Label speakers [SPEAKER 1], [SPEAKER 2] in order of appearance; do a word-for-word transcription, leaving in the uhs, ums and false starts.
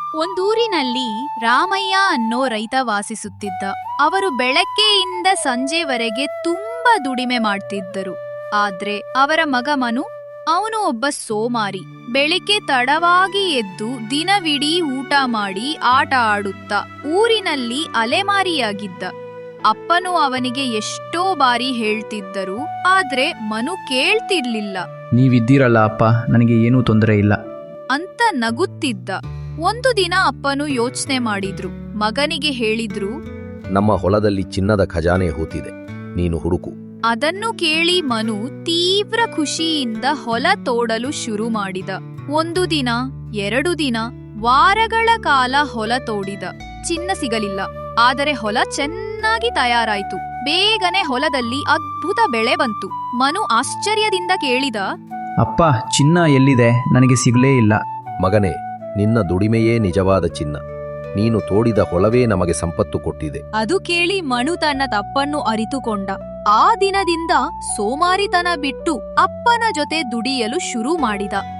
[SPEAKER 1] ಒಂದೂರಿನಲ್ಲಿ ರಾಮಯ್ಯ ಅನ್ನೋ ರೈತ ವಾಸಿಸುತ್ತಿದ್ದ. ಅವರು ಬೆಳಗ್ಗೆಯಿಂದ ಸಂಜೆವರೆಗೆ ತುಂಬಾ ದುಡಿಮೆ ಮಾಡ್ತಿದ್ದರು. ಆದ್ರೆ ಅವರ ಮಗ ಮನು, ಅವನು ಒಬ್ಬ ಸೋಮಾರಿ. ಬೆಳಿಗ್ಗೆ ತಡವಾಗಿ ಎದ್ದು ದಿನವಿಡೀ ಊಟ ಮಾಡಿ ಆಟ ಆಡುತ್ತಾ ಊರಿನಲ್ಲಿ ಅಲೆಮಾರಿಯಾಗಿದ್ದ. ಅಪ್ಪನು ಅವನಿಗೆ ಎಷ್ಟೋ ಬಾರಿ ಹೇಳ್ತಿದ್ದರು, ಆದ್ರೆ ಮನು ಕೇಳ್ತಿರ್ಲಿಲ್ಲ.
[SPEAKER 2] ನೀವಿದ್ದೀರಲ್ಲ ಅಪ್ಪ, ನನಗೆ ಏನೂ ತೊಂದರೆ ಇಲ್ಲ
[SPEAKER 1] ಅಂತ ನಗುತ್ತಿದ್ದ. ಒಂದು ದಿನ ಅಪ್ಪನು ಯೋಚನೆ ಮಾಡಿದ್ರು. ಮಗನಿಗೆ ಹೇಳಿದ್ರು,
[SPEAKER 3] ನಮ್ಮ ಹೊಲದಲ್ಲಿ ಚಿನ್ನದ ಖಜಾನೆ ಹೂತಿದೆ, ನೀನು ಹುಡುಕು.
[SPEAKER 1] ಅದನ್ನು ಕೇಳಿ ಮನು ತೀವ್ರ ಖುಷಿಯಿಂದ ಹೊಲ ತೋಡಲು ಶುರು ಮಾಡಿದ. ಒಂದು ದಿನ, ಎರಡು ದಿನ, ವಾರಗಳ ಕಾಲ ಹೊಲ ತೋಡಿದ. ಚಿನ್ನ ಸಿಗಲಿಲ್ಲ. ಆದರೆ ಹೊಲ ಚೆನ್ನಾಗಿ ತಯಾರಾಯ್ತು. ಬೇಗನೆ ಹೊಲದಲ್ಲಿ ಅದ್ಭುತ ಬೆಳೆ ಬಂತು. ಮನು ಆಶ್ಚರ್ಯದಿಂದ ಕೇಳಿದ,
[SPEAKER 2] ಅಪ್ಪ, ಚಿನ್ನ ಎಲ್ಲಿದೆ? ನನಗೆ ಸಿಗಲೇ ಇಲ್ಲ.
[SPEAKER 3] ಮಗನೇ, ನಿನ್ನ ದುಡಿಮೆಯೇ ನಿಜವಾದ ಚಿನ್ನ. ನೀನು ತೋಡಿದ ಹೊಲವೇ ನಮಗೆ ಸಂಪತ್ತು ಕೊಟ್ಟಿದೆ.
[SPEAKER 1] ಅದು ಕೇಳಿ ಮನು ತನ್ನ ತಪ್ಪನ್ನು ಅರಿತುಕೊಂಡ. ಆ ದಿನದಿಂದ ಸೋಮಾರಿತನ ಬಿಟ್ಟು ಅಪ್ಪನ ಜೊತೆ ದುಡಿಯಲು ಶುರು ಮಾಡಿದ.